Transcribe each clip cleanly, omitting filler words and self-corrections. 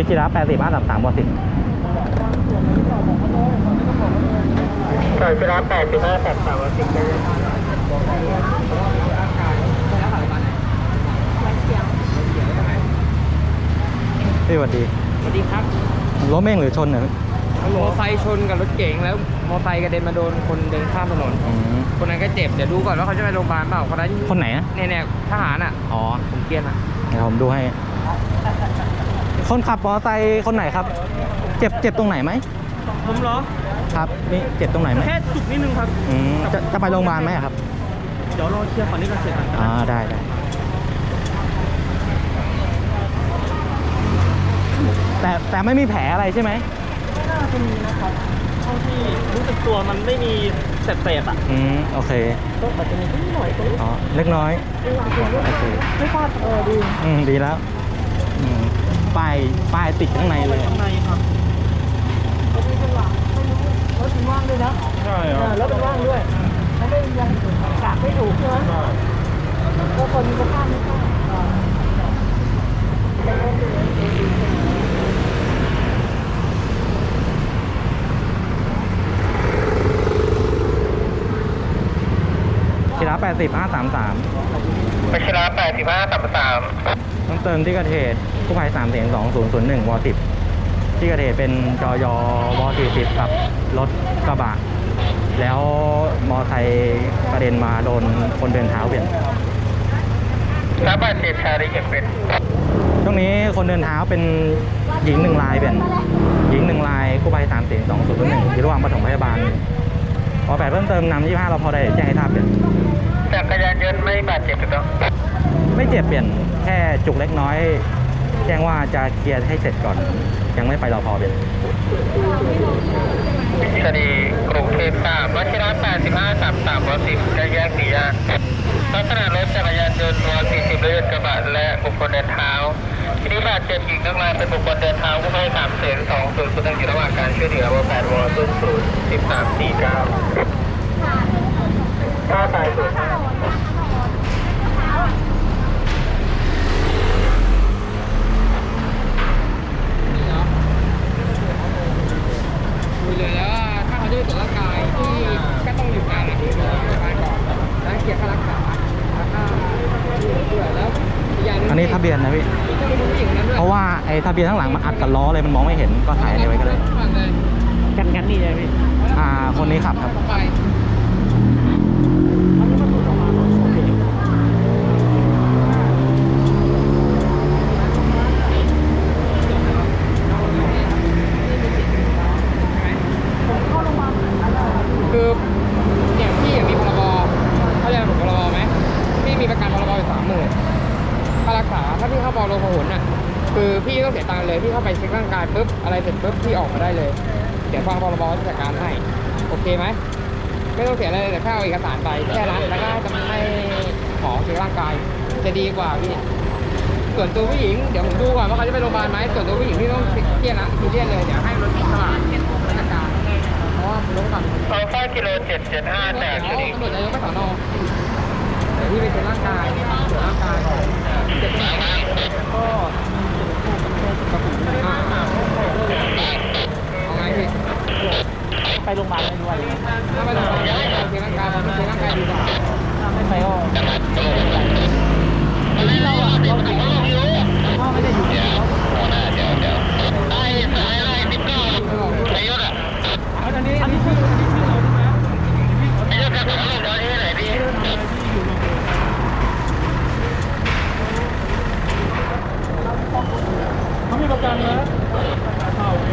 จิระ80 533 วอ10 ซอยจิระ80 533 วอ10ได้เลยพี่สวัสดีสวัสดีครับรถเม่งหรือชนเนี่ยมอไซค์ชนกับรถเก๋งแล้วมอไซค์กระเด็นมาโดนคนเดินข้ามถนนคนนั้นก็เจ็บเดี๋ยวดูก่อนว่าเขาจะไปโรงพยาบาลเปล่าคนนั้นคนไหนนะเนี่ยทหารอ่ะอ๋อผมเกลียดอ่ะเดี๋ยวผมดูให้ คนขับมอเตอร์ไซค์คนไหนครับ เจ็บตรงไหนไหมผมเหรอครับนี่เจ็บตรงไหนไหมแค่จุกนิดนึงครับจะไปโรงพยาบาลไหมครับเดี๋ยวรอเคลียร์ก่อนนี่กันเสร็จก่อนได้แต่ไม่มีแผลอะไรใช่ไหมไม่น่าจะมีนะครับเท่าที่รู้สึกตัวมันไม่มีเศษอ่ะโอเคก็อาจจะมีนิดหน่อยตรงนี้อ๋อเล็กน้อยโอเคไม่ฟาดดีดีแล้วป้ายติดข้างในเลยข้างในครับรถเป็นว่างรถเป็นว่างด้วยนะใช่ครับรถเป็นว่างด้วยไม่ได้ยังกะไม่ถูกใช่ไหมก็คนก็ข้ามไม่ข้ามจิระ80 533 วชิระ80 533 ต้องเติมที่เกิดเหตุกู้ภัย3 2 0 0 1 ว10ที่เกิดเหตุเป็นจยว40กับรถกระบะแล้วมอไซค์กระเด็นมาโดนคนเดินเท้าเปลี่ยนรับบาดเจ็บชายได้เก็บเป็นช่วงนี้คนเดินเท้าเป็นหญิง1 รายเปลี่ยนหญิง1 รายกู้ภัย3 2 2 0 1อยู่ระหว่างปฐมพยาบาลพอ8เพิ่มเติมนำ25เราพอได้แจ้งให้ทราบเปลี่ยนจักรยานยนต์ไม่บาดเจ็บถูกต้องไม่เจ็บเปลี่ยนแค่จุกเล็กน้อยแจ้งว่าจะเคลียร์ให้เสร็จก่อนยังไม่ไปรอพอเปลี่ยนคดีกรุงเทพ3วชิระ80 533 ว10จะแยก4ย่านลักษณะรถจักรยานยนต์ว40และยนต์กระบะและบุคคลเดินเท้าที่นี้บาดเจ็บอีกนักรายเป็นบุคคลเดินเท้ากู้ภัย3 2 0 0 1อยู่ระหว่างการช่วยเหลือว8ว00 1349ถ้าตายสุดคุยเลยแล้วถ้าเขาจะไปตรวจร่างกายที่ก็ต้องอยู่การที่โรงพยาบาลก่อนแล้วเคลียร์ค่ารักษาแล้วก็ด้วยแล้วอย่างนึงอันนี้ทะเบียนนะพี่ต้องไปดูผู้หญิงนั้นด้วยเพราะว่าไอ้ทะเบียนข้างหลังมันอัดกับล้อเลยมันมองไม่เห็นก็ถ่ายไว้ก็ได้กันนี่เลยพี่คนนี้ขับครับไปคือเนี่ยพี่มีพรบเขาเรียกผมพรบไหมพี่มีประกันพรบอยู่30,000ค่ารักษาถ้าพี่เข้าบอลโลพหุนอ่ะคือพี่ต้องเสียตังค์เลยพี่เข้าไปเช็คร่างกายปุ๊บอะไรเสร็จปุ๊บพี่ออกมาได้เลยเดี๋ยวฟังพรบจัดการให้โอเคไหมไม่ต้องเสียอะไรเลยแต่แค่เอาเอกสารไปแค่นั้นแล้วก็จะให้หมอเช็คร่างกายจะดีกว่าพี่ส่วนตัวผู้หญิงเดี๋ยวผมดูก่อนว่าเขาจะไปโรงพยาบาลไหมส่วนตัวผู้หญิงพี่ต้องเครียดนะเครียดเลยเดี๋ยวให้รถกระบะจัดการเพราะว่ารถกระบะอัลฟากิโล775จากคดีตำรวจนายกไปสอนอเดี๋ยวพี่ไปตรวจร่างกายตรวจร่างกายเจ็บตรงไหนก็กระปุกเอาไงพี่ไปโรงพยาบาลไม่ด้วยถ้าไปโรงพยาบาลไม่เอาเช็คร่างกายเราเช็คร่างกายดีกว่าถ้าไม่ไปก็ที่เราอะเราถึงพ่อไม่ได้อยู่ที่เขาไอ้19ไอ้ยศอ่ะอันนี้ชื่อเราใช่ไหมไอ้ยศจะของเราที่ไหนพี่เขามีประกันนะโอเค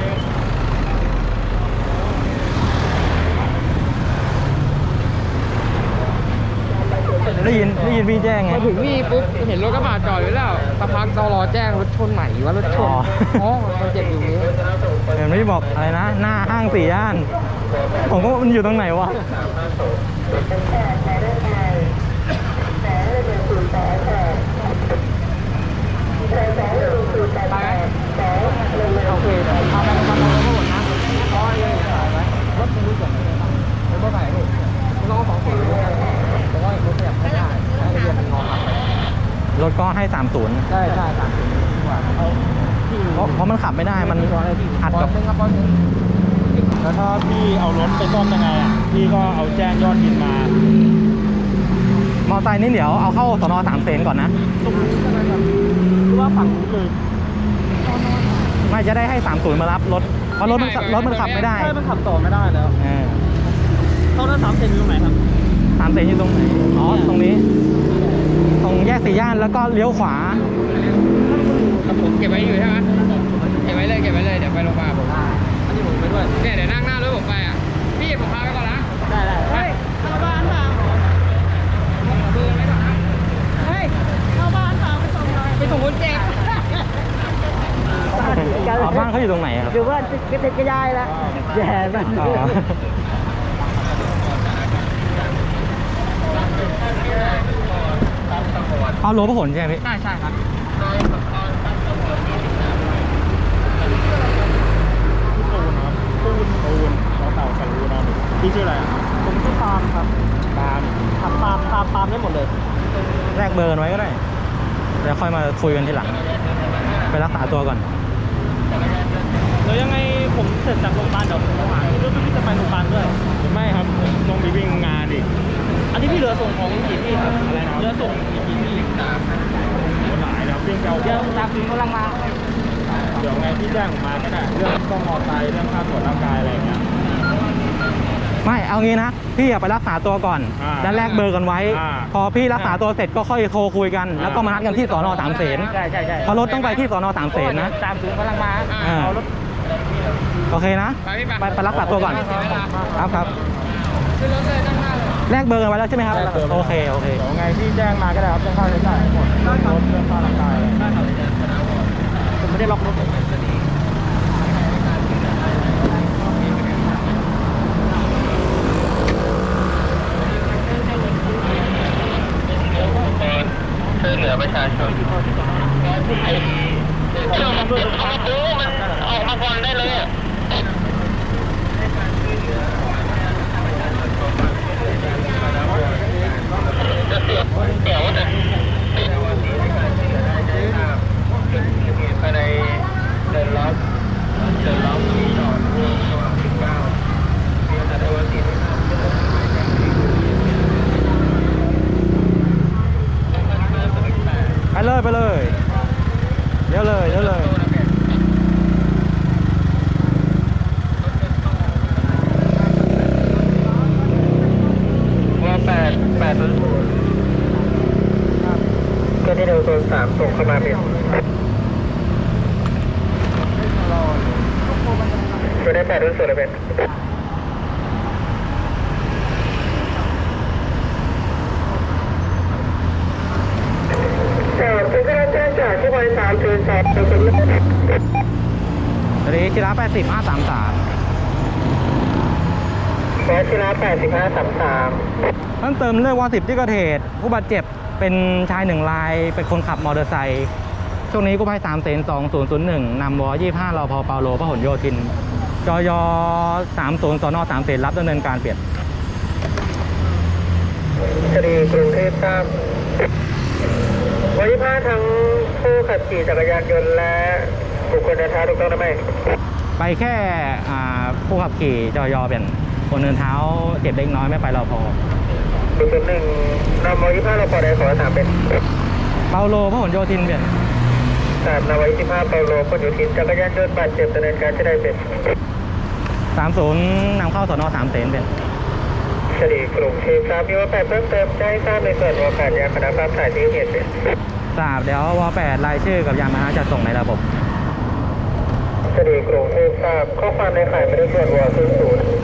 ได้ยินพี่แจ้งไงมาถึงนี่ปุ๊บเห็นรถกระบะจอดอยู่แล้วสักพักตรแจ้งรถชนไหนวะรถชนอ๋อมันเจ็บอยู่นี้เห็นพี่บอกอะไรนะหน้าห้าง4 ย่านผมก็มันอยู่ตรงไหนวะไปไหมโอเคเอาไปทำอะไรก็หมดนะเพราะยังถ่ายไว้รถมันรู้จักเลยนะรถถ่ายรูปมันต้อง2 4ด้วยแต่ว่ารถขยับไม่ได้ทะเบียนมันงอหักรถก็ให้30 ใช่30ดีกว่าเอาพี่พี่เพราะมันขับไม่ได้มันอัดบอกัลบนึงครับบอลนึงแล้วถ้าพี่เอารถไปซ่อมยังไงอ่ะพี่ก็เอาแจ้งยอดบินมามอไซค์นี่เดี๋ยวเอาเข้าสนสามเสนก่อนนะตรงนี้ใช่ไหมครับหรือว่าฝั่งนู้นเลยไม่จะได้ให้30มารับรถเพราะรถมันขับไม่ได้ใช่มันขับต่อไม่ได้แล้ว เข้าหน้า3 เซนอยู่ตรงไหนครับสามเสนอยู่ตรงไหนอ๋อตรงนี้ ตรงแยกสี่ย่านแล้วก็เลี้ยวขวาผมเก็บไว้อยู่ใช่ไหมเก็บไว้เลยเดี๋ยวไปโรงพยาบาลผมอันนี้ผมไปด้วยเนี่ยเดี๋ยวนั่งหน้ารถผมไปอ่ะพี่ผมพาไปก่อนนะได้เฮ้ยเข้าบ้านเปล่าเบอร์ไว้ก่อนนะเฮ้ยเข้าบ้านเปล่าไปส่งหน่อยไปส่งคนเจ็บอ๋อบ้านเขาอยู่ตรงไหนครับอยู่ว่าจะติดกระยายแล้วแย่มากอ๋อเอาโลพหลใช่ไหมพี่ใช่ครับตูนเราเต่ากันรู้นะพี่ชื่ออะไรอ่ะผมชื่อปาล์มครับปาล์มขับปาล์มได้หมดเลยแลกเบอร์กันไว้ก็ได้เดี๋ยวค่อยมาคุยกันทีหลัง ไปรักษาตัวก่อนแล้วยังไงผมเสร็จจากโรงพยาบาลเดี๋ยวผมโทรหาเรื่องพี่จะไปโรงพยาบาลด้วยไม่ครับต้องไปวิ่งงานอีกอันนี้พี่เหลือส่งของกี่ที่ครับอะไรนะเหลือส่งกี่ที่หลายแล้ววิ่งเอาเดี๋ยวตามกำลังมาเดี๋ยวไงพี่แจ้งผมมาก็ได้เรื่องต้องมอไซค์เรื่องค่าตรวจร่างกายอะไรอย่างเงี้ยไม่เอางี้นะพี่อย่าไปรักษาตัวก่อน แล้วแลกเบอร์กันไว้ พอพี่รักษาตัวเสร็จก็ค่อยโทรคุยกัน แล้วก็มานัดกันที่สนสามเสนใช่เพราะรถต้องไปที่สนสามเสนนะตามถึงกำลังมาเอารถโอเคนะ ไปรักษาตัวก่อน ครับขึ้นรถเลยนั่งหน้าเลยแลกเบอร์กันไว้แล้วใช่ไหมครับโอเคเดี๋ยวไงพี่แจ้งมาก็ได้ครับเรื่องค่าใช้จ่ายหมดรถเรื่องค่าร่างกายผมไม่ได้ล็อกรถช่วยเหลือประชาชนเอามาดูมันออกมาก่อนได้เลยอะจะเสียเดี๋ยวนะภายในเดินล็อกที่จอดช่วง19มีอัตราวันที่ไปเลยเดี๋ยวเลยว่า8ก็ที่เร็วโซน3ส่งเข้ามาเป็นก็ได้8รุ่นสุดเลยเป็นเป็นการแจ้งจากที่บริษัทคือสอบเป็นตอนนี้ชิระ80 533 ขอชิระ8533 เพิ่มเติมเรื่องวอ10ที่เกิดเหตุผู้บาดเจ็บเป็นชาย1รายเป็นคนขับมอเตอร์ไซค์ช่วงนี้กู้ภัย3เสน2001นำว25รพเปาโลพหลโยธินจย30สน3เสนรับดำเนินการเปลี่ยนคดีกรุงเทพทราบวันที่5ทั้งผู้ขับขี่จักรยานยนต์และบุคคลเดินเท้าถูกต้องหรือไม่ไปแค่ผู้ขับขี่จยเปลี่ยนคนเดินเท้าเจ็บเล็กน้อยไม่ไปรพ 001นำวันที่5เราพอได้ขอถามเป็นเปาโลพหลโยธินเปลี่ยน 3นำวันที่5เปาโลพหลโยธินจักรยานยนต์บาดเจ็บดำเนินการจะได้เป็น 30นำเข้าสน3เสนเป็นคดีกรุงเทพทราบมีว่า8เพิ่มเติมจะให้ทราบในส่วนของการยาคณะภาพถ่ายที่เหตุเป็นทราบเดี๋ยวว8รายชื่อกับยานพาหนะจะส่งในระบบคดีกรุงเทพทราบข้อความในข่ายไม่ได้ส่วนวอ00